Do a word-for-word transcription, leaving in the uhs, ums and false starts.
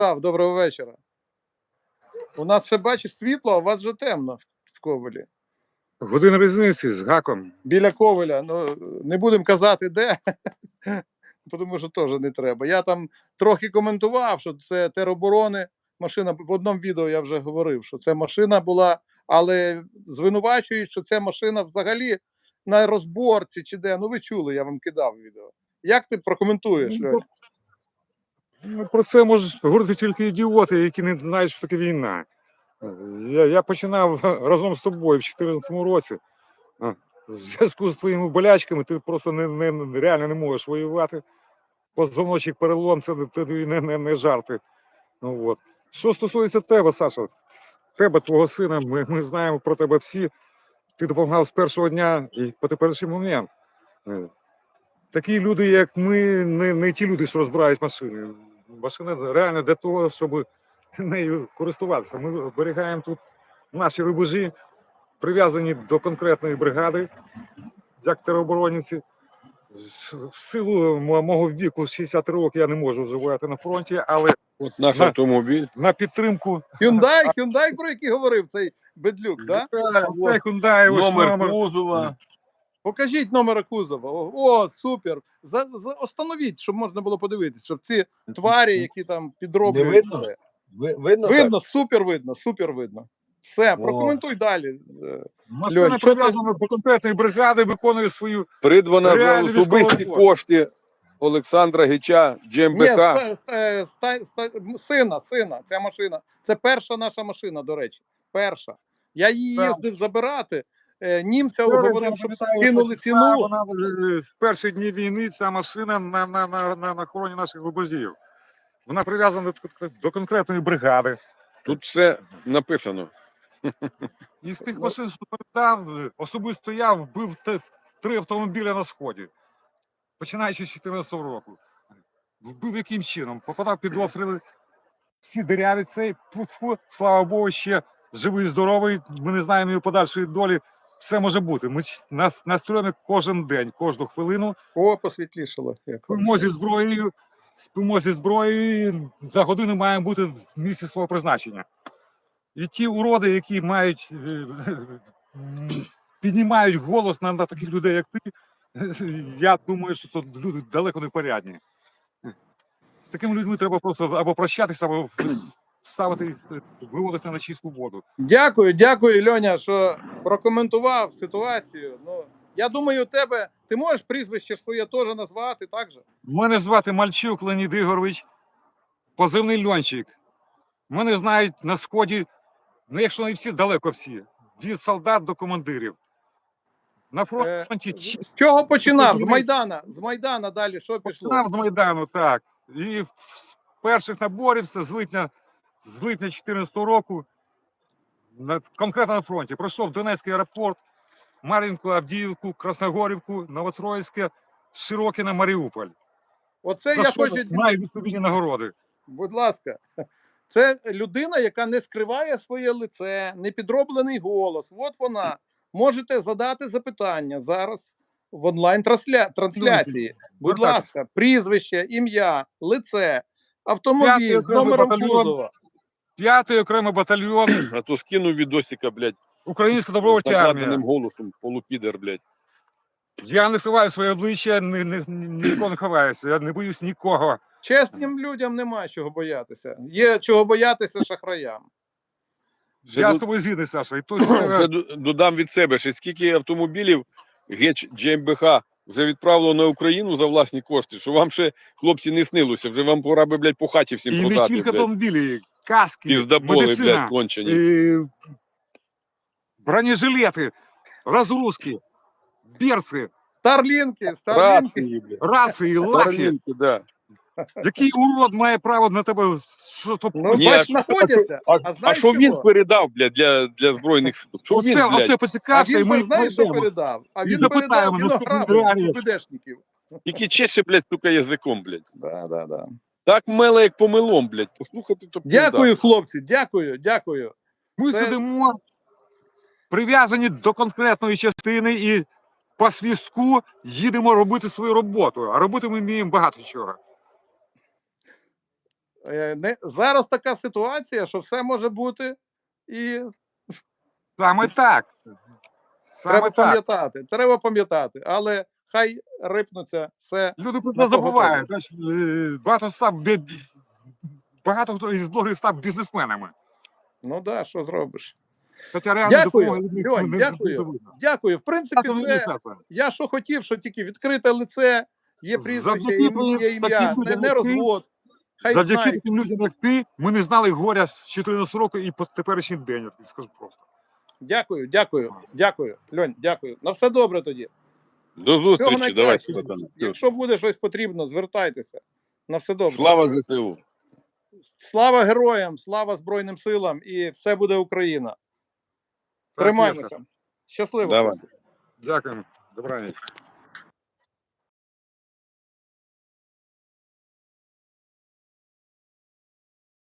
Став, доброго вечора. У нас ще, бачиш, світло, а у вас вже темно в Ковелі. Година різниці з гаком. Біля Ковеля. Ну, не будемо казати, де, тому що теж не треба. Я там трохи коментував, що це тероборони. Машина, в одному відео я вже говорив, що це машина була, але звинувачують, що це машина взагалі на розборці чи де. Ну ви чули, я вам кидав відео. Як ти прокоментуєш, Льоня? Ну, про це можуть говорити тільки ідіоти, які не знають, що таке війна. Я, я починав разом з тобою в дві тисячі чотирнадцятому році. В зв'язку з твоїми болячками ти просто не, не, реально не можеш воювати. Позвоночник перелом, це не, не, не жарти. Ну, от. Що стосується тебе, Саша, тебе, твого сина, ми, ми знаємо про тебе всі. Ти допомагав з першого дня і по теперішній момент. Такі люди, як ми, не, не ті люди, що розбирають машини. Машина реально для того, щоб нею користуватися. Ми зберігаємо тут наші рубежі, прив'язані до конкретної бригади, як тероборонівці. В силу мого віку, шістдесят років, я не можу вживати на фронті, але от наш на, автомобіль. На підтримку. Hyundai, Hyundai, про який говорив цей Бедлюк, так? Да? Це Hyundai, ось номер, номер кузова. Покажіть номер кузова. О, супер. За, за, остановіть, щоб можна було подивитися, щоб ці тварі, які там підроблюють. Не видно? Це. Ви, видно, Видно, супер видно, супер видно. Все, О. прокоментуй далі. машина Льонь, що прив'язана до конкретної бригади, виконує свою. Придбана за Реально особисті військова кошти Олександра Гича, Ні, ДжемБК. ста, ста, ста, ста, сина, сина, ця машина. Це перша наша машина, до речі. Перша. Я її Так. їздив забирати. Е, Німця Зараз, говорив, я щоб пам'ятаю, скинули початку, ціну. Вона е, з перших днів війни, ця машина на, на, на, на, на охороні наших рубежів. Вона прив'язана до, до конкретної бригади. Тут все написано. І з тих машин, що передав, особисто я вбив те- три автомобіля на Сході. Починаючи з дві тисячі чотирнадцятого року. Вбив яким чином? Попадав під обстріли, всі диряві цей, фу-фу, слава Богу, ще живий, здоровий, ми не знаємо його подальшої долі. Все може бути. Ми нас настроїмо кожен день, кожну хвилину. О, посвітлішало. Як. Спимо зі зброєю, спимо зі зброєю, за годину маємо бути в місці свого призначення. І ті уроди, які мають, е, м, піднімають голос на, на таких людей, як ти, я думаю, що то люди далеко не порядні. З такими людьми треба просто або прощатися, або ставити їх, виводити на чисту воду. Дякую, дякую, Льоня, що прокоментував ситуацію. Ну, я думаю, у тебе ти можеш прізвище своє теж назвати, так же? Мене звати Мальчук Леонід Ігорович, позивний Льончик. Мене знають на Сході, ну якщо не всі, далеко всі, від солдат до командирів. На фронті Е, з, з чого починав? З Майдана. З Майдана далі що пішло? починав з Майдану, так. І з перших наборів, це з липня, з липня дві тисячі чотирнадцятого року, на, конкретно на фронті. Пройшов Донецький аеропорт, Мар'їнку, Авдіївку, Красногорівку, Новотроїцьке, Широкине, Маріуполь. Оце За я що хочу. має відповідні нагороди. Будь ласка, це людина, яка не скриває своє лице, не підроблений голос. От вона. Можете задати запитання зараз в онлайн-трансляції. Будь ласка, прізвище, ім'я, лице, автомобіль з номером кузова. П'ятий окремий батальйон, А то скинув відосика, блядь, Українська з добровольча армія. накладеним голосом, полупідер, блядь. Я не ховаю своє обличчя, ні, ні, нікого не ховаюся, я не боюсь нікого. Чесним людям немає чого боятися. Є чого боятися шахраям. Ще Я ду- з тобою згідний, Саша. І тут Ще ду- додам від себе, ще скільки автомобілів Геч ДжемБК вже відправило на Україну за власні кошти, що вам ще, хлопці, не снилося, вже вам пора би, блядь, по хаті всім і не продати, тільки блядь. автомобілі, каски, Піздаболи, блядь, медицина, кончені. і бронежилети, розгрузки, берці, Старлінки, старлінки. Рації, блядь. рації, лахи. Старлінки, да. Який урод має право на тебе? Що то Ну, Ні, бач, а- знаходяться. А, А а знаєш що він чого? передав, блядь, для, для Збройних сил? Що він, оце, блядь? оце А поцікався, і він, ми знаєш, що знайдемо. передав? А І він передав запитаємо наступної винограду реалії. ПДшників. Тільки чеше, блядь, сука, язиком, блядь. Да, да, да. Так меле, як помилом, блядь. Послухати, то пізда. Дякую, хлопці, дякую, дякую. Ми Це- сидимо прив'язані до конкретної частини і по свістку їдемо робити свою роботу. А робити ми вміємо багато чого. Е, не, зараз така ситуація, що все може бути, і Саме так. Саме треба так. пам'ятати. Треба пам'ятати, але хай рипнуться все. Люди про на це того забувають. Знаєш, е, Багато став бі- багато хто із блогерів став бізнесменами. Ну так, да, що зробиш? Хоча реально Дякую, допомоги від них Льонь, не дякую. дуже видно. Дякую. В принципі, Дякую, це Міністерство. я що хотів, що тільки відкрите лице, є прізвище, Завдяки є твоїм ім'я, таким ім'я, не, людям, не як ти, розвод. Хай Завдяки знають. таким людям, як ти, ми не знали горя з чотирнадцятого року і по теперішній день, я тобі скажу просто. Дякую, дякую, дякую. Льонь, дякую. На все добре тоді. До Всього зустрічі, давайте, найкращого. пацани. Якщо буде щось потрібно, звертайтеся. На все добре. Слава ЗСУ! Слава героям, слава Збройним силам і все буде Україна. Так, Тримаймося. Єса. Щасливо. Давай. хлопці. Дякуємо. Добра ніч.